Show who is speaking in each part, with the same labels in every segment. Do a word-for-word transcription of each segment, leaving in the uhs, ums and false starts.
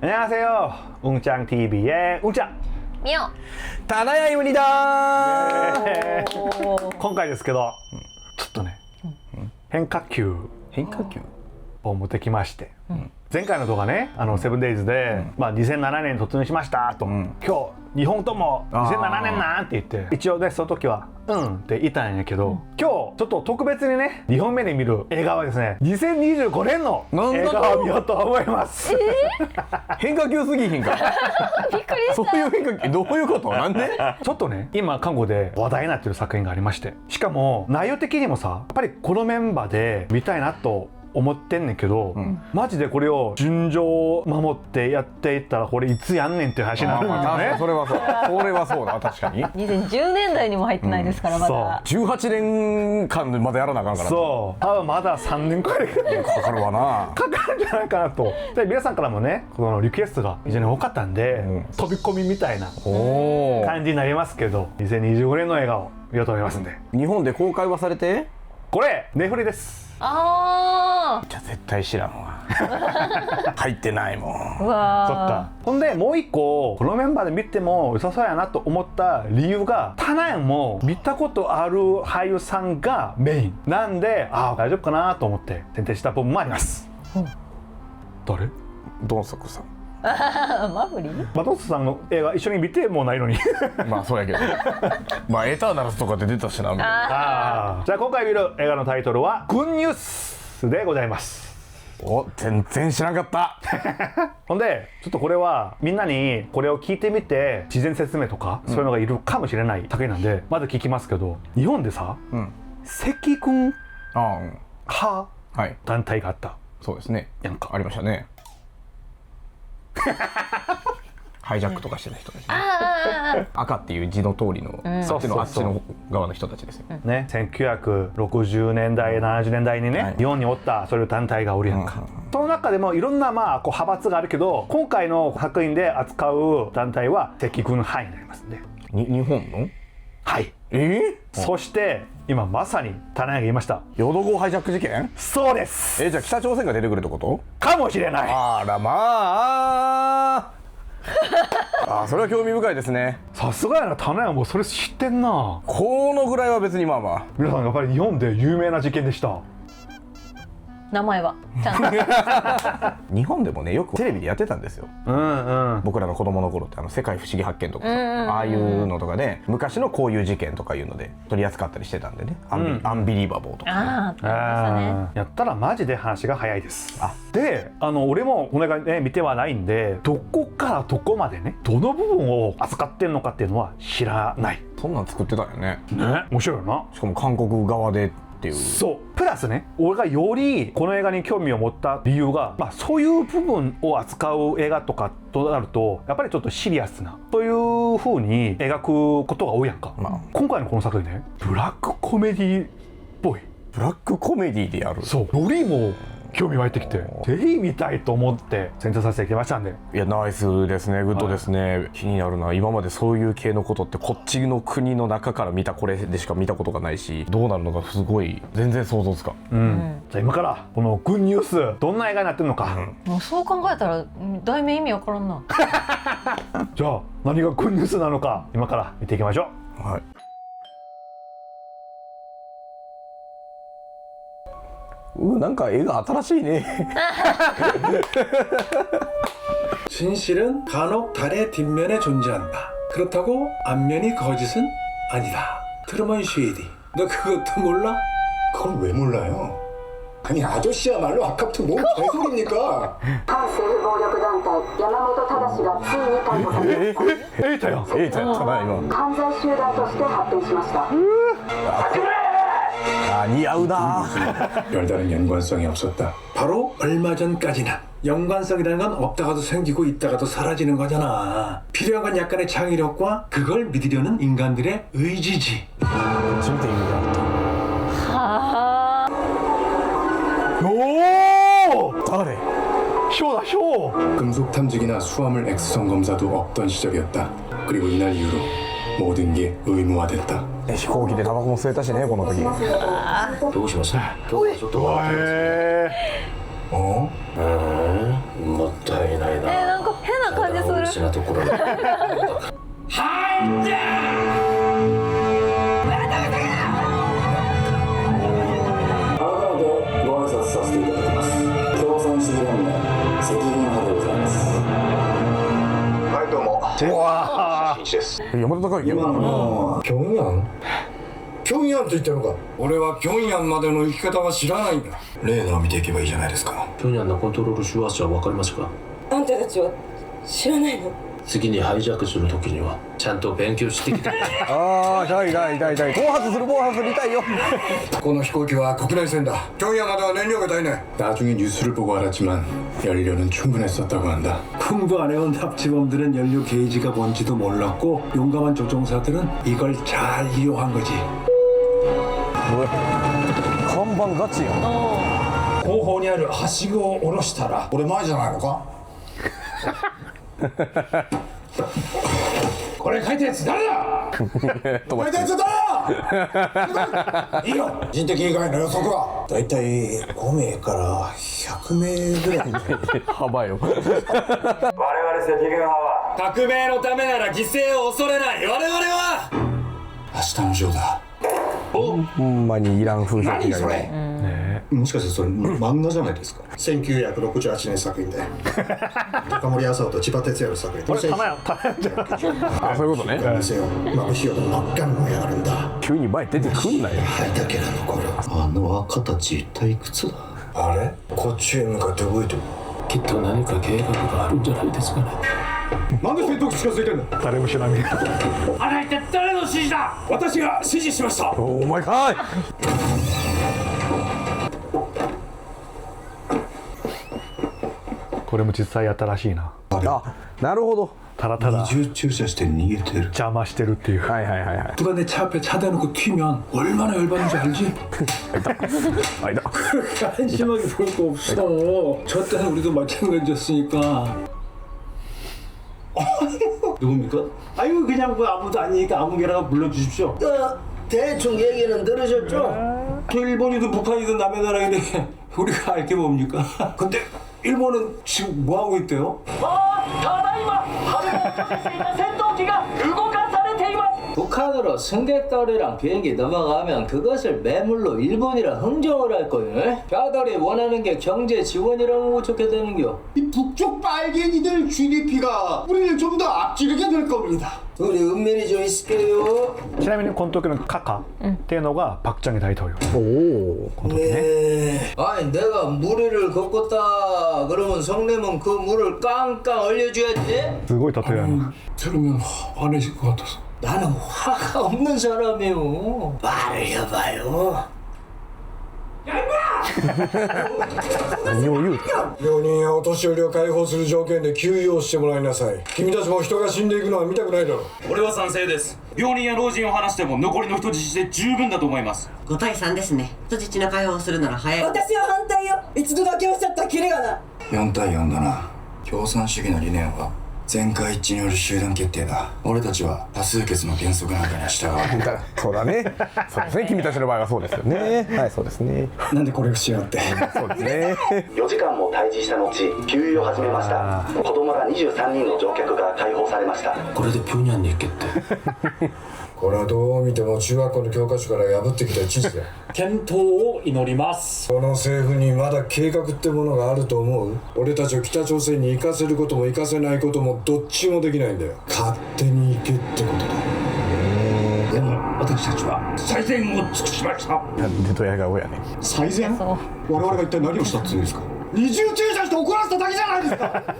Speaker 1: 안녕하세요. 웅짱티비의 웅짱
Speaker 2: ミオ
Speaker 3: タナヤイムニだ
Speaker 1: ー今回ですけど、ちょっとね、変化球
Speaker 3: 変化球
Speaker 1: を持ってきまして、うん、前回の動画ね、あのセブンデイズで、うん、まあにせんななねんに突入しましたと、うん、今日にほんともにせんななねんなんって言って、一応ねその時はうんって言ったんやけど、うん、今日ちょっと特別にねにほんめで見る映画はですねにせんにじゅうごねんの映画を見ようと思います。
Speaker 3: えー、変化球すぎひんか
Speaker 2: びっくりした。
Speaker 3: そういう変化球どういうこと？なんで？
Speaker 1: ちょっとね今韓国で話題になってる作品がありまして、しかも内容的にもさやっぱりこのメンバーで見たいなと思ってんねんけど、うん、マジでこれを順序を守ってやっていったらこれいつやんねんっていう話になるんだよね。
Speaker 3: それはそうそれはそうだ確かに
Speaker 2: にせんじゅうねんだいにも入ってないですから、うん、まだ
Speaker 3: じゅうはちねんかんまだやらなあかんから
Speaker 1: そう多分まださんねんくらい
Speaker 3: かかるわな
Speaker 1: かかるんじゃないかなと。で皆さんからもねこのリクエストが非常に多かったんで、うん、飛び込みみたいな感じになりますけどにせんにじゅうごねんの映画を見ようと思いますんで。
Speaker 3: 日本で公開はされて
Speaker 1: これネフリです。
Speaker 2: あ
Speaker 3: あじゃあ絶対知らんわ入ってないもん。
Speaker 2: うわ
Speaker 1: そっか。ほんでもう一個このメンバーで見ても良さそうやなと思った理由がタナヤンも見たことある俳優さんがメインなんで、ああ大丈夫かなと思って選定した部分もあります。うん、誰？
Speaker 3: ドンソクさん。
Speaker 2: マフリー？
Speaker 1: マトスさんの映画一緒に見てもないのに
Speaker 3: まあそうやけどまあエターナルズとかで出たしなみたいな。
Speaker 1: あじゃあ今回見る映画のタイトルはグッニュースでございます。
Speaker 3: お全然知らなかった
Speaker 1: ほんでちょっとこれはみんなにこれを聞いてみて事前説明とか、うん、そういうのがいるかもしれない作品なんでまず聞きますけど、日本でさ、うん、赤軍派団体があった。
Speaker 3: そうですね
Speaker 1: やんか
Speaker 3: ありましたねハイジャックとかしてた人たち、ね、赤っていう字の通りの、うん、そっちのあっちの側の人たちですよ、
Speaker 1: うん、ねせんきゅうひゃくろくじゅうねんだいななじゅうねんだいにね、はい、日本におったそういう団体がおるやんか、うん、その中でもいろんなまあこう派閥があるけど今回の作品で扱う団体は赤軍派になりますんで。
Speaker 3: に日本の
Speaker 1: はい
Speaker 3: えー、
Speaker 1: そして今まさにタナヤが言いました
Speaker 3: 淀号ハイジャック事件。
Speaker 1: そうです。
Speaker 3: えじゃあ北朝鮮が出てくるってこと
Speaker 1: かもしれない。
Speaker 3: あらまああそれは興味深いですね。
Speaker 1: さすがやなタナヤもそれ知ってんな。
Speaker 3: このぐらいは別にまあまあ
Speaker 1: 皆さんやっぱり日本で有名な事件でした。
Speaker 2: 名前はちゃんと
Speaker 3: 日本でもねよくテレビでやってたんですよ、うんうん、僕らの子供の頃ってあの世界不思議発見とかさ、うんうんうん、ああいうのとかで昔のこういう事件とかいうので取り扱ったりしてたんでね、うん、アンビ、アンビリーバボーとか、ね、
Speaker 2: ああ、ね、
Speaker 1: やったらマジで話が早いです。あであの俺もこれがね見てはないんでどこからどこまでねどの部分を扱ってんのかっていうのは知らない。
Speaker 3: そんなん作ってたよね。
Speaker 1: ね面白いよな。
Speaker 3: しかも韓国側でっていう。
Speaker 1: そうプラスね俺がよりこの映画に興味を持った理由が、まあ、そういう部分を扱う映画とかとなるとやっぱりちょっとシリアスなという風に描くことが多いやんか、まあ、今回のこの作品ねブラックコメディっぽい。
Speaker 3: ブラックコメディでやる。
Speaker 1: そうよりも興味湧いてきてぜひ見たいと思って選定させてきましたんで。
Speaker 3: いやナイスですねグッドですね、はい、気になるな。今までそういう系のことってこっちの国の中から見たこれでしか見たことがないしどうなるのかすごい全然想像つかん、うんうん、
Speaker 1: じゃあ今からこのグッニュースどんな映画になってるのか、
Speaker 2: うん、もうそう考えたら題名意味わからんな
Speaker 1: じゃあ何がグッニュースなのか今から見ていきましょう。はい
Speaker 3: うなんか絵が新しいね
Speaker 4: 진실은 간혹 달의 뒷면에 존재한다. 그렇다고 앞면이 거짓은 아니다. 트루먼 쉐이디. 너 그것도 몰라?
Speaker 5: 그걸 왜 몰라요? 아니 아저씨야말로 아까부터 뭔 개소리입니까?
Speaker 6: 한政府暴力団体山本正がついに逮捕されました。
Speaker 1: エイタやん。
Speaker 3: エイタやったな今。
Speaker 6: 犯罪集団として発展しました。
Speaker 3: 아, 니아우다.
Speaker 4: 별다른 연관성이 없었다. 바로 얼마 전까지는 연관성이라는 건 없다가도 생기고 있다가도 사라지는 거잖아. 필요한 건 약간의 창의력과 그걸 믿으려는 인간들의 의지지.
Speaker 3: 진짜
Speaker 2: 아.
Speaker 1: 오!
Speaker 3: 잘해.
Speaker 1: 쇼다 쇼.
Speaker 5: 금속 탐지기나 수화물 엑스선 검사도 없던 시절이었다. 그리고 이날 이후로 모든 게 의무화됐다.
Speaker 3: 飛行機でタバコも吸えたしねこの時。
Speaker 7: どうします？今日はちょっと。
Speaker 1: へえ。
Speaker 7: お？うん、もったいないな。
Speaker 2: えなんか
Speaker 7: しなところで
Speaker 3: 山田孝之
Speaker 5: 今のピョンヤンピョンヤンと言ったのか。俺はピョンヤンまでの生き方は知らないんだ。レーダーを見ていけばいいじゃないですか。
Speaker 7: ピョンヤンのコントロール手話は分かりますか？
Speaker 8: あんたたちは知らないの？
Speaker 7: 次にハイジャックするときにはちゃんと勉強してきて
Speaker 3: ああ痛い痛い痛い痛い暴発する暴発する痛いよ
Speaker 5: この飛行機は国内線だ。ピョンヤンまでは燃料が足りない。나중에 뉴스를 보고 알았지만 연료는 충분했었다고 한다.
Speaker 4: 공부 안 해온 납치범들은 연료 게이지가 뭔지도 몰랐고 용감한 조종사들은 이걸 잘 이용한 거지.
Speaker 3: 뭐야看板ガチやん
Speaker 5: 後方にあるはしごを下ろしたら俺前じゃないのかこれ書いたやつ誰だ書いたやつ誰だいいよ人的以外の予測はだいたいご名からひゃく名ぐらい
Speaker 3: 幅よ
Speaker 5: 我々赤軍派は革命のためなら犠牲を恐れない。我々は明日のジョーだ。
Speaker 3: ほんまにいらん風評被害が
Speaker 5: もしかしてそれ漫画じゃないですか。せんきゅうひゃくろくじゅうはちねん作品で高森麻生と千葉哲也の作品。
Speaker 1: これ棚や棚やじゃん
Speaker 3: あそういうことね
Speaker 5: 見せよ眩しいよと真っ赤に燃え上がるんだ。
Speaker 3: 急に前出てくんなよ
Speaker 5: 灰だけが残る。
Speaker 7: あの赤たち一体いくつだ？
Speaker 5: あれこっちへ向かって動いてる。
Speaker 7: きっと何か計画があるんじゃないですかね。
Speaker 5: なんで戦闘機近づいてんの？
Speaker 1: 誰も知らねえ
Speaker 5: あれ一体誰の指示だ？私が指示しました。
Speaker 3: おお前かい
Speaker 1: これも実際やったらしいな。
Speaker 3: あなるほど
Speaker 1: ただただ
Speaker 5: 二重駐車して逃げてる。
Speaker 1: 邪魔してるっていう。
Speaker 3: はいはいはいはい
Speaker 4: 누가 내 차 앞에 차 대놓고 튀면 얼마나 열받는지 알지?
Speaker 3: 아니다
Speaker 4: 그렇게 한심하게 볼 거 없어. 저 때는 우리도 마찬가지였으니까.
Speaker 7: 누굽니까?
Speaker 4: 아이고 그냥 뭐 아무도 아니니까 아무 개라도 불러주십시오.
Speaker 7: 대충 얘기는 들으셨죠?
Speaker 4: 또 일본이든 북한이든 남의 나라인데 우리가 알 게 뭡니까? 근데 일본은 지금 뭐 하고 있대요?
Speaker 9: 北韓으로 승객들이랑 비행기 넘어가면 그것을 매물로 일본이랑 흥정을 할 거예요. 뼈들이 원하는 게 경제 지원이라는 거 어떻게 되는겨?
Speaker 5: 이 북쪽 빨갱이들 지디피가 우리를 좀 더 앞지르게 될 겁니다.
Speaker 9: 우리 은밀히 좀 있을게요.
Speaker 1: ちなみにこの時のカカっていうのがパクチャンゲ大統領。
Speaker 3: おお
Speaker 1: この時ね。
Speaker 9: 네. 아니 내가 무리를 걷겠다 그러면 성내면 그 물을 깡깡 얼려줘야지.
Speaker 1: すごい例えやな。
Speaker 4: 들으면 화내실 것 같아서.
Speaker 9: 나는 화가 없는 사람이에요. 말을 해봐요.
Speaker 3: 何を言う
Speaker 5: 病人やお年寄りを解放する条件で休養してもらいなさい。君たちも人が死んでいくのは見たくないだろう。
Speaker 10: 俺は賛成です。病人や老人を離しても残りの人質で十分だと思います。
Speaker 11: ごたいさんですね。人質の解放するなら早い。
Speaker 8: 私は反対よ。一度だけおっしゃったキレがない。
Speaker 5: よんたいよんだな。共産主義の理念は全会一致による集団決定だ。俺たちは多数決の原則なんかには従う。
Speaker 3: そうだねそうですね君たちの場合はそうですよねはいそうですね
Speaker 5: なんでこれをしやがって
Speaker 3: そうですね
Speaker 12: よじかんも対峙した後給油を始めました。子供らにじゅうさんにんの乗客が解放されました。
Speaker 7: これでピョンヤンに行けって
Speaker 5: これはどう見ても中学校の教科書から破ってきた知識だ。
Speaker 4: 検討を祈ります。
Speaker 5: この政府にまだ計画ってものがあると思う？俺たちを北朝鮮に行かせることも行かせないこともどっちもできないんだよ。勝手に行けってことだ。
Speaker 10: でも私たちは最善を尽くしました。
Speaker 3: なんでドヤ顔やね
Speaker 5: 最善？我々が一体何をしたっていうんですか？二重駐車して怒らせただけじゃないですか。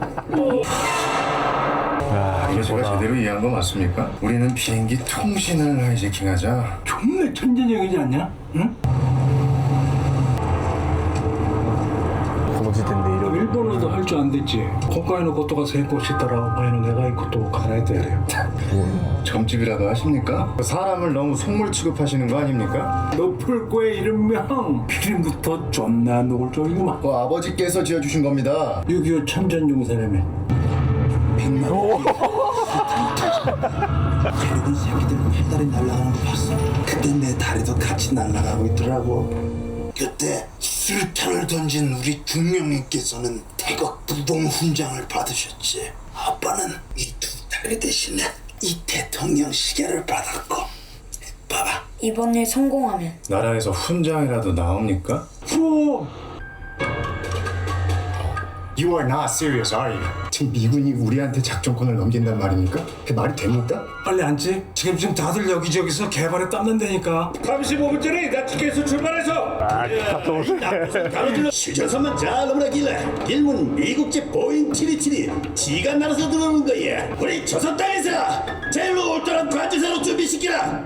Speaker 5: 제가 제대로 이해한 거 맞습니까? 우리는 비행기 통신을 하이제킹하자.
Speaker 4: 존나 천재적이지 않냐? 응?
Speaker 3: この時点でいろいろ
Speaker 4: 일본어도 할 줄 안 됐지. 今回のことが成功したらお前の願い事を叶えてやれよ.
Speaker 5: 점집이라도 하십니까? 사람을 너무 속물 취급하시는 거 아닙니까?
Speaker 4: 높을 거에 이름명 이름부터 존나 노골적이구만.
Speaker 5: 그 아버지께서 지어주신 겁니다.
Speaker 4: 육이오 참전용사라며. 백만 원. 결국은 새끼들은 해달이 날아가는 거 봤어. 그때 내 다리도 같이 날아가고 있더라고. 그때
Speaker 5: 수류탄을 던진 우리 중령님께서는 태극 부동 훈장을 받으셨지. 아빠는 이 두 다리 대신에 이 대통령 시계를 받았고. 봐봐.
Speaker 8: 이번 일 성공하면
Speaker 4: 나라에서 훈장이라도 나옵니까? 그럼.
Speaker 5: You are not serious, are you? 지금 미군이 우리한테 작전권을 넘긴단 말입니까? 그 말이 됩니까?
Speaker 4: 빨리 앉지. 지금 지금 다들 여기저기서 개발에 땀난다니까.
Speaker 10: 삼십오 분 전에 나 티켓에서 출발해서
Speaker 1: 아, 가까워.
Speaker 12: 휴전선만 잘 넘어가길래 일본 미국제 보잉 칠이칠이 지가 날아서 들어오는 거야. 우리 조선 땅에서 제일로 올드한 관제사로 준비시키라.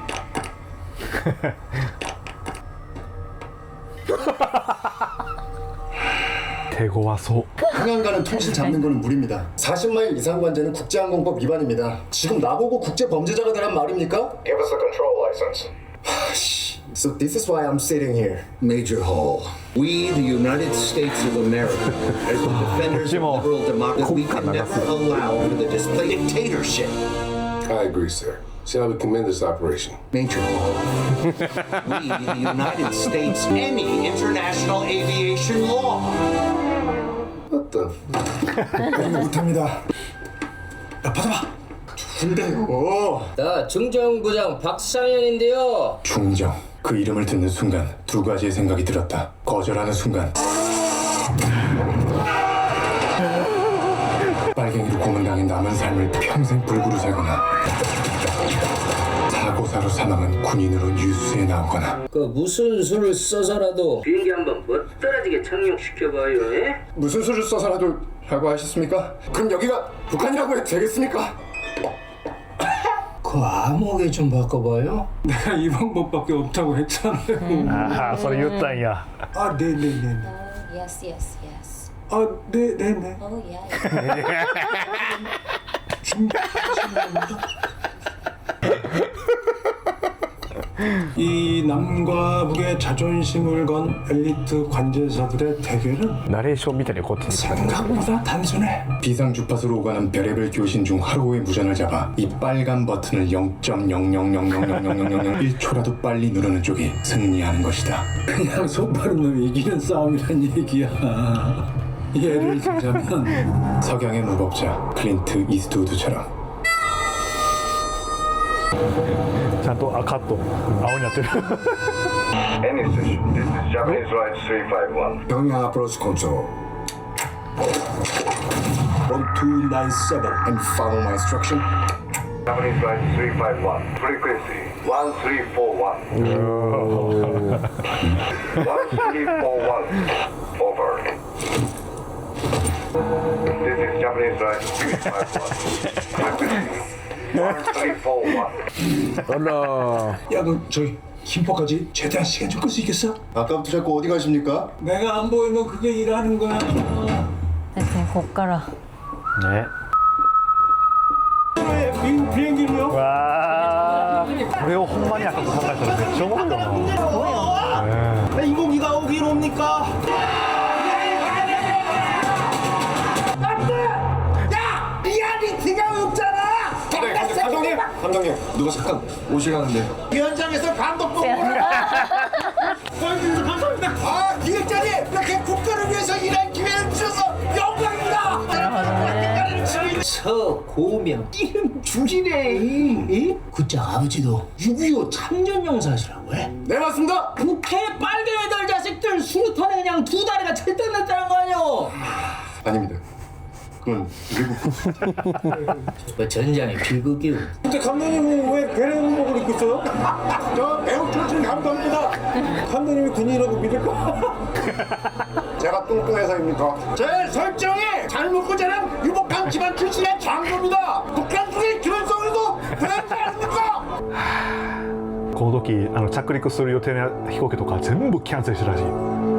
Speaker 1: 대고 와서
Speaker 5: 항안 가는 통신 잡는 거는 무리입니다. 사십 마일 이상 관제는 국제항공법 위반입니다. 지금 나보고 국제 범죄자가 되란 말입니까?
Speaker 13: Give us the control license.
Speaker 5: So this is why I'm sitting here.
Speaker 14: Major Hall, we, the United States of America, as the defenders of liberal democracy, we can never allow for the display dictatorship.
Speaker 13: I agree, sir. See how we commend this operation.
Speaker 14: Major Hall, we, the United States, any international aviation law.
Speaker 13: What the?
Speaker 5: 못합니다.
Speaker 4: 야, 받아봐.
Speaker 5: 근데요.
Speaker 9: 나 중정부장 박상현인데요.
Speaker 4: 중정. 그 이름을 듣는 순간 두 가지의 생각이 들었다. 거절하는 순간 빨갱이로 고문당해 남은 삶을 평생 불구로 살거나 사고사로 사망한 군인으로 뉴스에 나오거나.
Speaker 9: 그 무슨 수를 써서라도 비행기 한번 멋떨어지게 착륙시켜봐요. 에?
Speaker 5: 무슨 수를 써서라도 라고 하셨습니까? 그럼 여기가 북한이라고 해도 되겠습니까?
Speaker 9: 그 암호계 좀 바꿔봐요.
Speaker 4: 내가 이 방법밖에 없다고 했잖아요.
Speaker 1: 아,それ言ったんや.
Speaker 4: 아, 네, 네, 네.
Speaker 2: Yes, yes, yes.
Speaker 4: 아, 네, 네, 네.
Speaker 2: Oh, yeah.
Speaker 4: 이 남과 북의 자존심을 건 엘리트 관제사들의 대결은
Speaker 3: 나레이션 밑에 고
Speaker 4: 생각보다 단순해. 비상 주파수로 오가는 별의별 교신 중 하루의 무전을 잡아 이 빨간 버튼을 영 점 영영영영영영영영일 초라도 빨리 누르는 쪽이 승리하는 것이다. 그냥 손바른 놈이 이기는 싸움이란 얘기야. 예를 들자면 석양의 무법자 클린트 이스트우드처럼.
Speaker 1: ちゃんとあカット青になってる
Speaker 13: Any station, this is Japanese Right three five one.
Speaker 5: 평양 approach control. one two nine seven and follow my instruction.
Speaker 13: Japanese Right three five one. Frequency one three four one. one three four one. Over. This is Japanese Right three five one. Frequency one three four one.
Speaker 4: 야, 너 저기 김포까지 최대한 시간 좀 끌 수 있겠어?
Speaker 5: 아까부터 자꾸 어디 가십니까?
Speaker 4: 내가 안 보이면 그게 일하는 거야.
Speaker 2: こっから
Speaker 1: ね
Speaker 4: 미국 비행기로요?
Speaker 1: 와これをほんまに赤く考えたらめっちゃおもろいよな。
Speaker 10: 인공기가 오기로 옵니까?
Speaker 5: 야! 리얼리티가 없잖아!
Speaker 4: 네, 감독님! 감독님, 누가 잠깐 오시라는데.
Speaker 5: 현장에서 감독 보고 감사합니다. 아, 기획자님! 이렇게 국가를 위해서 일할 기회를 주셔서 영광입니다!
Speaker 9: 서고명 이름 줄이네. 이? 그짝 아버지도 육이오 참전용사시라고 해?
Speaker 5: 네, 맞습니다!
Speaker 9: 국회 빨갱이들 자식들 수류탄에 그냥 두 다리가 철쭉났다는 거 아니오?
Speaker 5: 아닙니다. 그건 미국.
Speaker 9: 뭐 전장에 비극이오.
Speaker 4: 근데 감독님은 왜 베레 군복을 입고 있어요?
Speaker 5: 저 배우 출신 감독입니다.
Speaker 4: 감독님이 군인이라고 믿을까?
Speaker 5: 제가 뚱뚱해서입니까? 제 설정이 잘 먹고 자란 유복한 집안 출신의 장교입니다. 북한 중에 기본성에도 배우지 않습니까?
Speaker 1: この時あの着陸する予定の飛行機とか全部キャンセルしたらしい。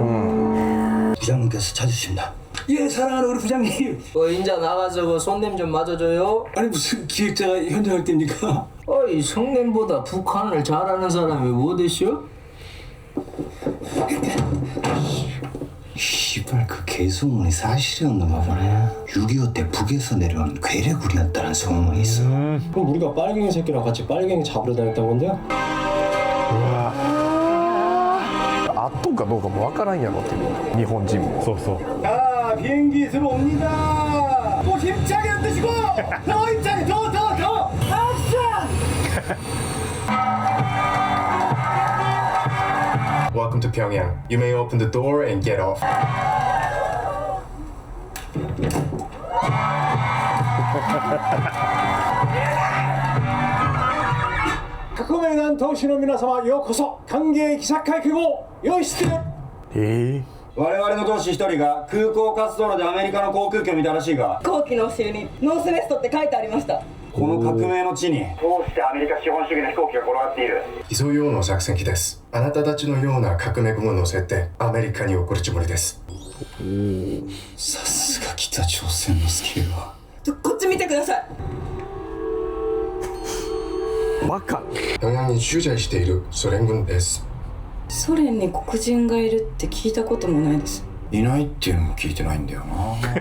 Speaker 4: 부장님께서 찾으십니다. 예, 사랑하는 우리 부장님.
Speaker 9: 어, 인자 나가서 손님 좀 맞아줘요.
Speaker 4: 아니 무슨 기획자가 현장을 띱니까?
Speaker 9: 어, 이 성님보다 북한을 잘하는 사람이 어디시오?
Speaker 15: 시발 그 개소문이 사실이었나 보네. 육이오 때 북에서 내려온 괴뢰굴이었다는 소문이 있어.
Speaker 4: 음. 그럼 우리가 빨갱이 새끼랑 같이 빨갱이 잡으러 다녔던 건데요?
Speaker 1: 圧
Speaker 3: っとんかどうかもわからんやろっていう日本人も。
Speaker 1: そうそう。
Speaker 9: 자, 비행기 들어옵니다. 또 힘차게 흔드시고 더 힘차게 더 더 더 액션!
Speaker 16: Welcome to Pyongyang. You may open the door and get off.
Speaker 4: 각국의 도시의皆様ようこそ歓迎記者会見を用意して。
Speaker 3: え
Speaker 17: 我々の同志一人が空港滑走路でアメリカの航空機を見たらしいが、
Speaker 8: 飛行機のお尻にノースネストって書いてありました。
Speaker 17: この革命の地に
Speaker 13: どうしてアメリカ資本主義の飛行機が転がっている。
Speaker 16: 偽装用の作戦機です。あなたたちのような革命軍を乗せてアメリカに送るつもりです。
Speaker 15: さすが北朝鮮のスケールは。
Speaker 8: こっち見てください。
Speaker 3: バカ。
Speaker 16: 平壌に駐在しているソ連軍です。
Speaker 8: ソ連に黒人がいるって聞いたこともないです。
Speaker 15: いないっていうのも聞いてないんだよ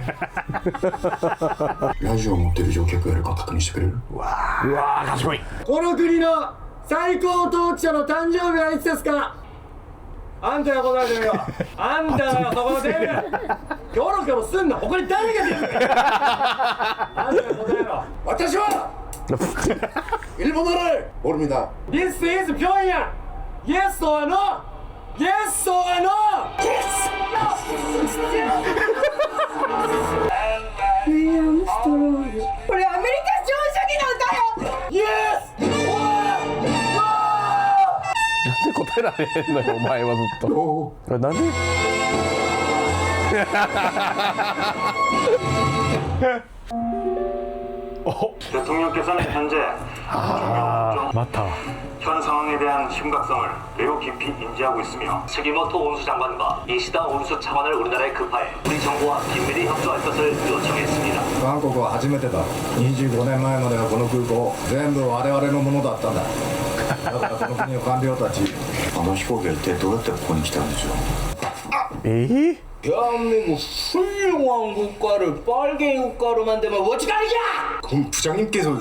Speaker 15: な。ラジオ持ってる乗客がいるか確認してくれる？
Speaker 3: うわうわー賢い。
Speaker 9: この国の最高統治者の誕生日はいつですか？あんたが答えてるよ。あんたがそこのテーブルキョロキョロすんな。他に誰が出るんだよ。あんたが答えろ。
Speaker 10: 私は일본어를 모릅니다.
Speaker 9: This is Pyongyang. Yes or no? Yes or no? Yes!
Speaker 8: 윌리엄 스트로드. これアメリカ資本主義なんだよ。
Speaker 9: Yes!
Speaker 3: なんで答えられへんのよお前はずっと。これなんで
Speaker 13: 대통령께서는 현재
Speaker 1: 아, 맞다.
Speaker 13: 현 상황에 대한 심각성을 매우 깊이 인지하고 있으며
Speaker 7: 스기모토 온수 장관과 이시다 온수 차관을 우리나라에 급파해 우리 정부와 긴밀히 협조할 것을 요청했습니다.
Speaker 17: 韓国は初めてだ。にじゅうごねんまえまではこの空港全部我々のものだったんだ。だからこの国の官僚たち、
Speaker 15: あの飛行機は一体どうやってここに来たんでしょう。
Speaker 3: えー
Speaker 9: 대한민국 훌륭한 국가를 빨개 국가로 만들면 어찌가리냐!
Speaker 16: 그럼 부장님께서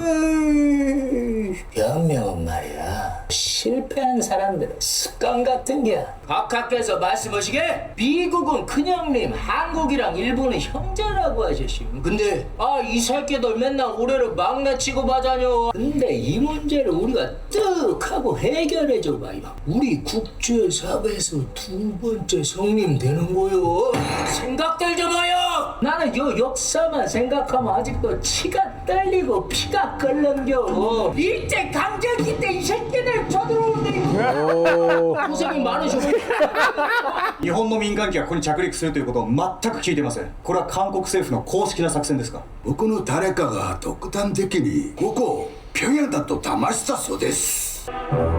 Speaker 9: 변명은 말이야 실패한 사람들의 습관 같은 게야. 각하께서 말씀하시게 미국은 큰형님, 한국이랑 일본은 형제라고 하셨시오. 근데 아 이 새끼들 맨날 우리를 막내치고 마자녀. 근데 이 문제를 우리가 뜩 하고 해결해줘봐요. 우리 국제사회에서 두 번째 성님 되는 거요. 생각들 좀 해요. 나는 요 역사만 생각하면 아직도 치가 떨리고 피가 끓는겨. 일제 강점기 때 이 새끼들 쳐들어오는데 고생이 많으셔.
Speaker 17: 日本の民間機がここに着陸するということを全く聞いてません。これは韓国政府の公式な作戦ですか？
Speaker 12: 僕の誰かが独断的にここを平壌だと騙したそうです。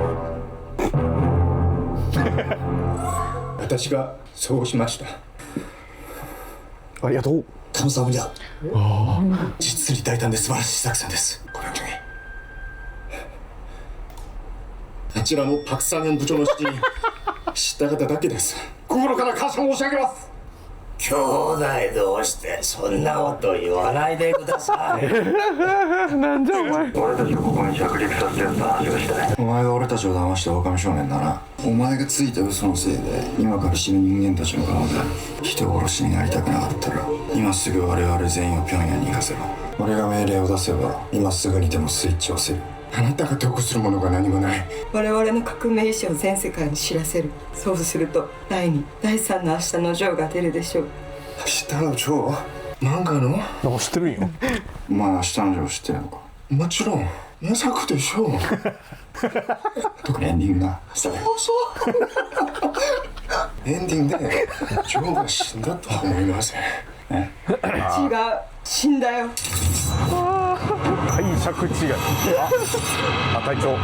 Speaker 16: 私がそうしました。
Speaker 3: ありがとう。
Speaker 12: 감사합니다。
Speaker 17: 実に大胆で素晴らしい作戦です。ごめんなさい。
Speaker 16: あちらのパクサンヘン部長の指示に従っただけです。心から感謝申し上げます。
Speaker 9: 兄弟同士でそんなこと言わないでください。
Speaker 3: なんじゃお前。
Speaker 13: 俺たちをここに着陸させてやった話がしたい。
Speaker 15: お前が俺たちを騙した狼少年だな。お前がついた嘘のせいで今から死ぬ人間たちの側で人殺しになりたくなかったら今すぐ我々全員を平壌に行かせろ。俺が命令を出せば今すぐにでもスイッチを押せる。
Speaker 16: あなたが得するものが何もない。
Speaker 8: 我々の革命意志を全世界に知らせる。そうするとだいにだいさんの明日のジョーが出るでしょう。
Speaker 16: 明日のジョー？漫画の？
Speaker 3: なんか知ってるんよ。
Speaker 15: お前明日のジョー知ってるのか？
Speaker 16: もちろん名作でしょう。
Speaker 15: 特にエンディングな。
Speaker 16: エンディングでジョーが死んだとは思いません。
Speaker 8: 違う、死んだよ。
Speaker 3: 解釈違い。あ、あ隊長。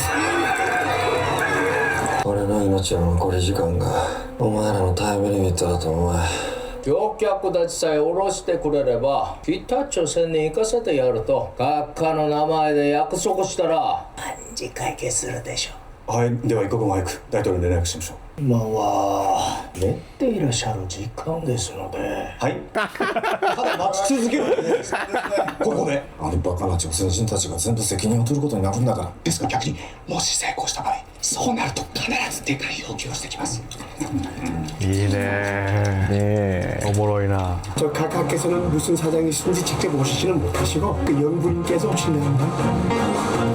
Speaker 15: 俺の命の残り時間がお前らのタイムリミットだと思え。
Speaker 9: 乗客たちさえ降ろしてくれれば北朝鮮に行かせてやると閣下の名前で約束したら万事解決するでしょう。
Speaker 17: はい、では一刻も早く大統領に連絡しましょう。
Speaker 9: 今は寝ていらっしゃる時間ですので。
Speaker 16: はい。ただ待ち続けるだけですここで
Speaker 17: あのバカな女性人たちが全部責任を取ることになるんだから。
Speaker 16: ですが逆にもし成功した場合そうなると必ずでかい要求をしてきます。
Speaker 1: いいねおもろいな。
Speaker 12: 저 각하께서는 무슨 사장이신지 직접 오시지는 못하시고 그 영부인께서 오신다는데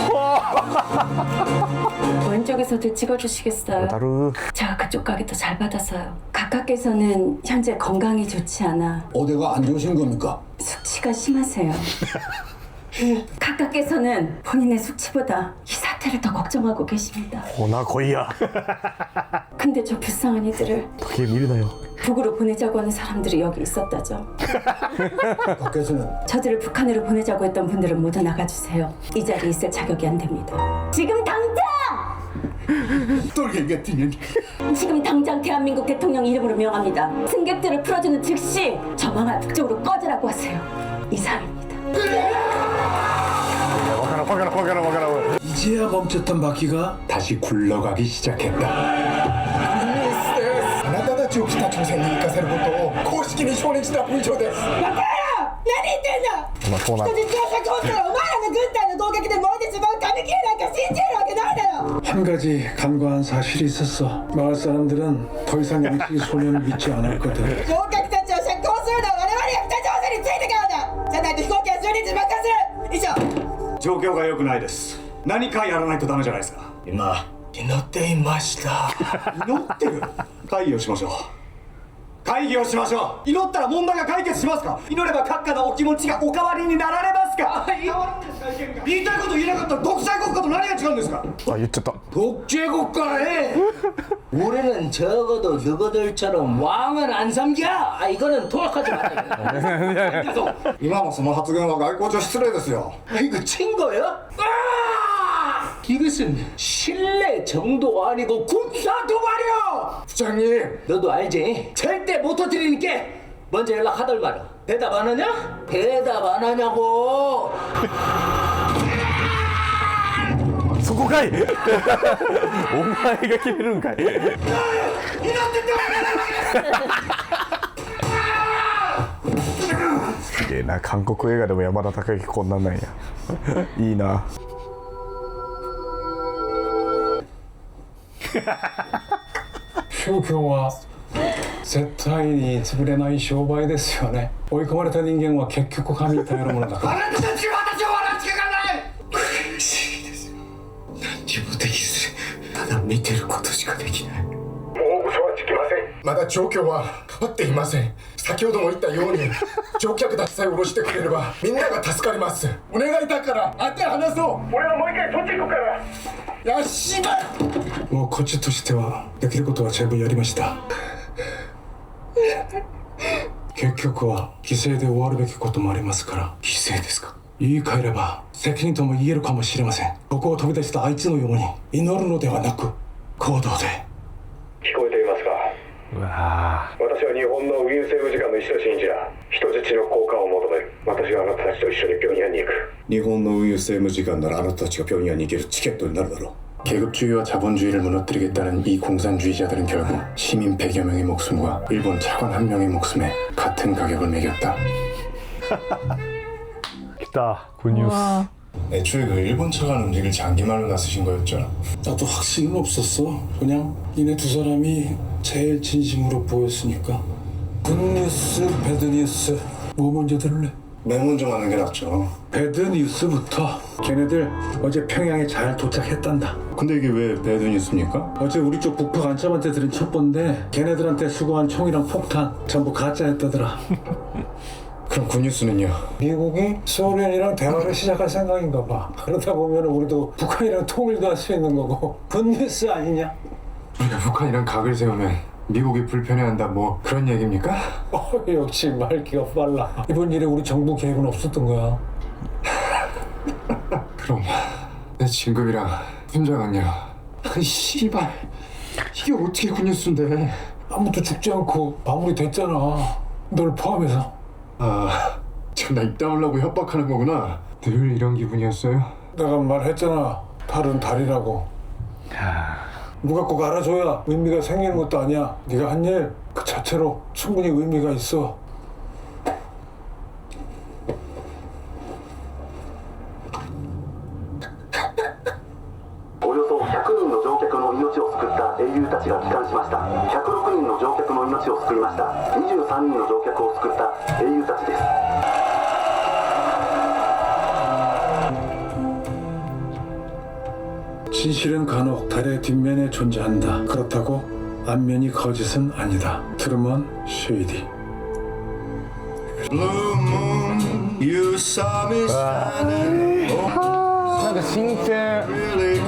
Speaker 8: 왼쪽에서도 찍어주시겠어요? 제가 그쪽 가게 더 잘 받아서요. 각하께서는 현재 건강이 좋지 않아.
Speaker 17: 어디가 안 좋으신 겁니까?
Speaker 8: 숙취가 심하세요. 각하께서는 본인의 숙취보다 이 사태를 더 걱정하고 계십니다.
Speaker 1: 오나 거이야.
Speaker 8: 근데 저 불쌍한 이들을
Speaker 1: 그게 미르나요?
Speaker 8: 북으로 보내자고 하는 사람들이 여기 있었다죠.
Speaker 17: 각하께서는
Speaker 8: 저들을 북한으로 보내자고 했던 분들은 모두 나가주세요. 이 자리에 있을 자격이 안 됩니다. 지금 당장! 지금 당장 대한민국 대통령 이름으로 명합니다. 승객들을 풀어주는 즉시 저 망할 북쪽으로 꺼지라고 하세요. 이상입니다.
Speaker 4: 이제야 멈췄던 바퀴가 다시 굴러가기 시작했다.
Speaker 17: あなたたちを北朝鮮に行かせることを公式に承認した文書です。
Speaker 8: バカ野郎！何言ってんだ！
Speaker 1: まあそうなんだ。
Speaker 8: 人質が確保したらお前らの軍隊の攻撃で燃えてしまう紙切れなんか信じるわけないだろ！
Speaker 4: 한 가지 간과한 사실이 있었어. 마을 사람들은 더 이상 양식이 소년을 믿지 않았거든.
Speaker 8: 乗客たちを釈放するのは我々が北朝鮮についてからだ！じゃないと飛行機はじゅうにち爆破する！以上。
Speaker 16: 状況が良くないです。何かやらないとダメじゃないですか。
Speaker 9: 今祈っていました。
Speaker 16: 祈ってる。会議をしましょう。会議をしましょう。祈ったら問題が解決しますか。祈れば閣下のお気持ちがお変わりになられますか。言いたいこと言えなかったら独裁国家と何が違うんですか。
Speaker 1: あ言っちゃった。
Speaker 9: 독재국가에 우리는 적어도 너희들처럼 왕을 안 삼겨. 아 이거는 통역하지 마세요.
Speaker 17: 今のその発言は外交上失礼ですよ。
Speaker 9: 아, 이거 친 거야? 아! 이것은 신뢰 정도 아니고 군사 도발이야.
Speaker 17: 부장님,
Speaker 9: 너도 알지? 절대 못 터뜨리니까 먼저 연락하덜 말아. 대답 안 하냐? 대답 안 하냐고.
Speaker 1: そこかい。お前が決めるんかい。すげえな、韓国映画でも山田孝之こんなんなんや。いいな。
Speaker 4: 宗教は絶対に潰れない商売ですよね。追い込まれた人間は結局神に頼るものだから。
Speaker 16: あなたたちは私を笑ってかない。
Speaker 5: 苦しいですよ。何にもできずただ見てることしかできない。もう嘘はつきません。
Speaker 17: まだ状況は変わっていません。先ほども言ったように乗客たちさえ下ろしてくれればみんなが助かります。お願いだから会って話そう。
Speaker 5: 俺はもう一回そっち行くから。
Speaker 17: よしば
Speaker 4: もうこっちとしてはできることは全部やりました。結局は犠牲で終わるべきこともありますから。
Speaker 5: 犠牲ですか。
Speaker 4: 言い換えれば責任とも言えるかもしれません。ここを飛び出したあいつのように祈るのではなく行動で。
Speaker 13: 聞こえていますか。
Speaker 1: うわ
Speaker 13: 私は日本の運輸政務次官の石田信者。人質の交換を求める。私はあなたたちと一緒に平壌に行く。
Speaker 15: 日本の運輸政務次官ならあなたたちが平壌に行けるチケットになるだろう。 계급주의와 자본주의를 무너뜨리겠다는 이 공산주의자들은 결국 시민 백여 명의 목숨과 일본 차관 한 명의 목숨에 같은 가격을 매겼다.
Speaker 1: 기타 굿뉴스.
Speaker 15: 애초에 그 일본 차관 움직일 장기말로 나서신 거였잖아.
Speaker 4: 나도 확신은 없었어. 그냥 이네 두 사람이 제일 진심으로 보였으니까. 굿뉴스, 배드뉴스 뭐 먼저 들을래?
Speaker 15: 맨 먼저 가는 게 낫죠.
Speaker 4: 배드뉴스부터. 걔네들 어제 평양에 잘 도착했단다.
Speaker 15: 근데 이게 왜 배드뉴스입니까?
Speaker 4: 어제 우리 쪽 북파 간첩한테 들은 첩보인데 걔네들한테 수거한 총이랑 폭탄 전부 가짜였다더라.
Speaker 15: 그럼 굿뉴스는요?
Speaker 4: 미국이 소련이랑 대화를 시작할 생각인가 봐. 그러다 보면 우리도 북한이랑 통일도 할 수 있는 거고. 굿뉴스 아니냐?
Speaker 15: 우리가 북한이랑 각을 세우면 미국이 불편해한다 뭐 그런 얘기입니까?
Speaker 4: 어, 역시 말기가 빨라. 이번 일에 우리 정부 계획은 없었던 거야.
Speaker 15: 그럼 내 진급이랑 훈장은요? 아니 씨발 이게 어떻게 굿뉴스인데.
Speaker 4: 아무도 죽지 않고 마무리됐잖아. 널 포함해서.
Speaker 15: 아, 참 나 입 다물라고 협박하는 거구나. 늘 이런 기분이었어요?
Speaker 4: 내가 말했잖아. 달은 달이라고. 누가 꼭 알아줘야 의미가 생기는 것도 아니야. 네가 한 일 그 자체로 충분히 의미가 있어.
Speaker 18: およそひゃくにんの乗客の命を救った英雄たちが帰還しました。ひゃくろくにんの乗客の命を救いました。にじゅうさんにんの乗客を救った英雄たちです。
Speaker 4: 진실은 간혹 달의 뒷면에 존재한다. 그렇다고 앞면이 거짓은 아니다. 트루먼 쉐이디.
Speaker 3: 아, なんか新鮮。